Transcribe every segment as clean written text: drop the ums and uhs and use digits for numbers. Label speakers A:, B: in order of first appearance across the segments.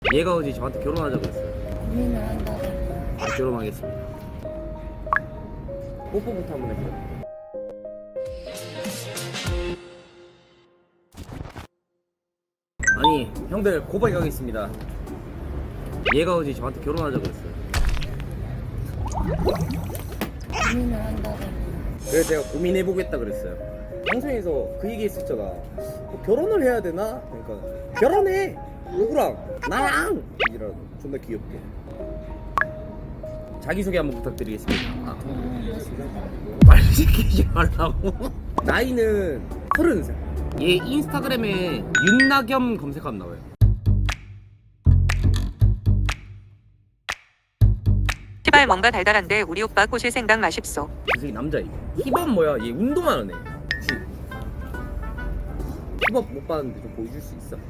A: 얘가 어제 저한테 결혼하자고 했어요.
B: 고민을 한다고.
A: 바로 결혼하겠습니다. 뽀뽀부터 한번 해보자. 아니 형들 고백하겠습니다. 얘가 어제 저한테 결혼하자고 했어요.
B: 고민을 한다고.
A: 그래서 제가 고민해보겠다 그랬어요. 방송에서 그 얘기 했었잖아. 뭐 결혼을 해야 되나? 그러니까 결혼해! 누구랑? 나랑! 이라고 존나 귀엽게. 자기소개 한번 부탁드리겠습니다. 말 시키지 말라고. 나이는 30살. 얘 인스타그램에 윤나겸 검색하면 나와요.
C: 시발 뭔가 달달한데 우리 오빠 꼬실 생각 마십소.
A: 그 새끼 남자이고. 힙합 뭐야? 얘 운동하는 애. 그치? 힙합 못 봤는데 좀 보여줄 수 있어?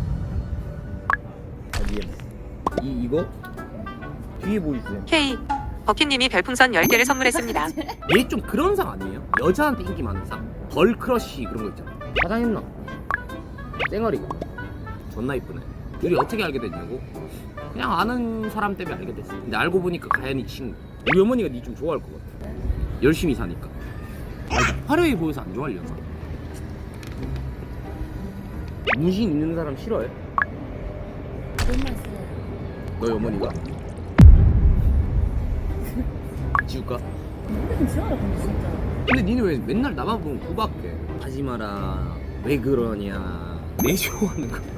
A: 어디에? 이거? 뒤에 보여주세요.
C: K 버킷님이 별풍선 10개를 선물했습니다.
A: 얘 좀 그런 상 아니에요? 여자한테 인기 많은 상? 걸크러쉬 그런 거 있잖아. 화장했나? 쌩얼이 존나 이쁘네. 우리 어떻게 알게 됐냐고? 그냥 아는 사람 때문에 알게 됐어. 근데 알고 보니까 가연이 친구. 우리 어머니가 니 좀 좋아할 것 같아. 열심히 사니까. 아니, 화려해 보여서 안 좋아하려나? 문신 있는 사람 싫어해?
B: 그런 말 써요.
A: 너희 어머니가? 지울까?
B: 모르긴 싫어요, 근데 진짜.
A: 근데 니는 왜 맨날 나만 보면 구박해? 하지 마라. 왜 그러냐. 내 좋아하는 거.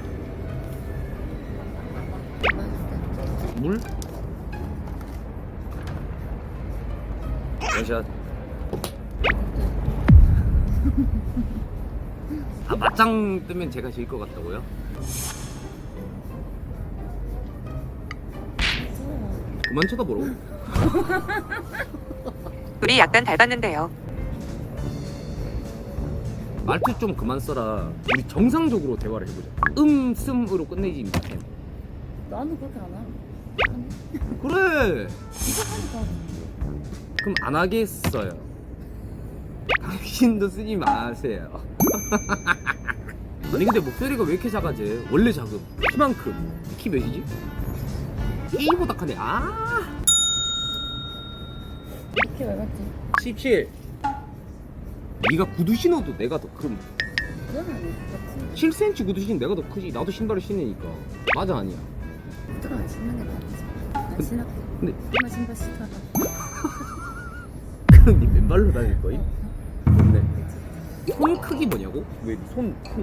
B: 맛있다.
A: 물? 원샷. 아 맞짱 뜨면 제가 질 것 같다고요? 그만 쳐다보러.
C: 둘이 약간 닮았는데요.
A: 말투 좀 그만 써라. 우리 정상적으로 대화를 해보자. 씀으로 끝내지 못해.
B: 나는 그렇게 안 해.
A: 그래.
B: 이거 하니까.
A: 그럼 안 하겠어요. 당신도 쓰지 마세요. 아니 근데 목소리가 왜 이렇게 작아지? 원래 작음. 키만큼. 키 몇이지? K보다 크네. 아.
B: 이렇게 왜 같지?
A: 17. 네가 구두 신어도 내가 더 큼.
B: 그건 아니야. 그렇지.
A: 7cm 구두 신으면 내가 더 크지. 나도 신발을 신으니까. 맞아 아니야?
B: 구두가 안 신는 게 나지. 안 신을게.
A: 근데
B: 엄마 신발 싫다가.
A: 그럼 네 맨발로 다닐 거임? 좋네. 손 크기 뭐냐고? 왜 손 크나?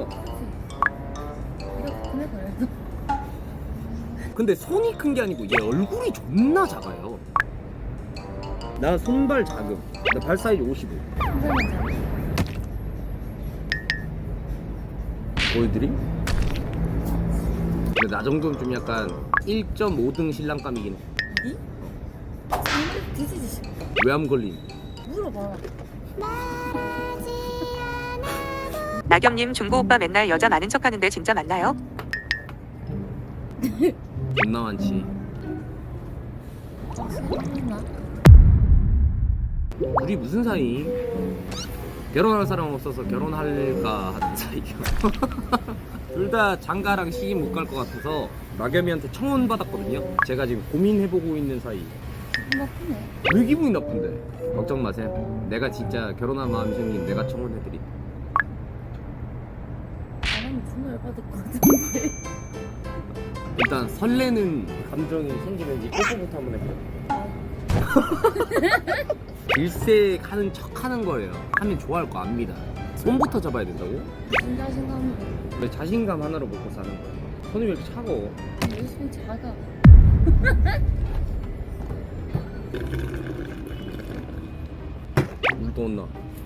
B: 이렇게 크네 그래도.
A: 근데 손이 큰 게 아니고 얘 얼굴이 존나 작아요. 나 손발 작음. 나 발 사이즈 55.
B: 신발만 잘.
A: 보여드림? 근데 나 정도면 좀 약간 1.5등 신랑감이긴 해.
B: 니? 장난 뒤지지 싶어.
A: 외암 걸림.
B: 물어봐.
C: 나겸님 중고 오빠 맨날 여자 많은 척하는데 진짜 맞나요?
A: 존나 많지.
B: 신나?
A: 우리 무슨 사이? 결혼할 사람 없어서 결혼할까 하는 사이요. 둘 다 장가랑 시집 못 갈 것 같아서 나겸이한테 청혼 받았거든요. 제가 지금 고민해보고 있는 사이.
B: 기분 나쁘네.
A: 왜 기분이 나쁜데? 걱정 마세요. 내가 진짜 결혼한 마음이 생긴 내가 청혼해드림.
B: 나는 존나 열받을 것 같은데.
A: 일단 설레는 감정이 생기는지 뽀뽀부터 한번 해보자. 질색하는 척 하는 거예요. 하면 좋아할 거 압니다. 손부터 잡아야 된다고?
B: 무슨 자신감으로.
A: 왜 자신감 하나로 먹고 사는 거야? 손이 왜 이렇게 차가워?
B: 내 손이 작아.
A: 물 떠온나?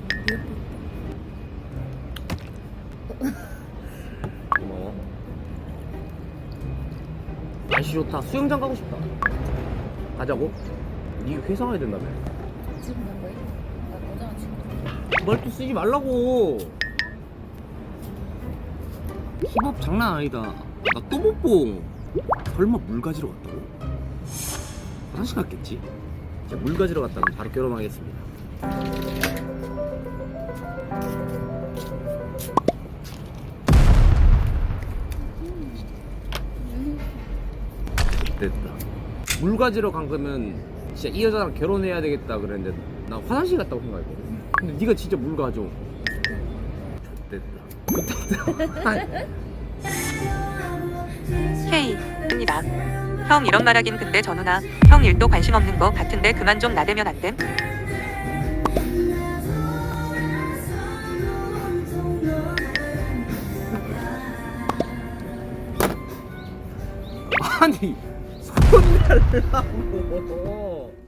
A: 고마워. 날씨 좋다. 수영장 가고 싶다. 가자고? 니가 회사 가야 된다며.
B: 지금 난 거야? 나 너잖아 지금.
A: 말투 쓰지 말라고. 힙합 장난 아니다. 나 또 못 보. 설마 물 가지러 갔다고? 화장실 갔겠지? 자, 물 가지러 갔다면 바로 결혼하겠습니다. 됐다. 물 가지러 간 거면 진짜 이 여자랑 결혼해야 되겠다 그랬는데 나 화장실 갔다고 생각했거든. 근데 네가 진짜 물 가져. 됐다.
C: K입니다. 형 이런 말 하긴 근데 전우나 형 일도 관심 없는 거 같은데 그만 좀 나대면 안 됨?
A: 아니 손 달라고.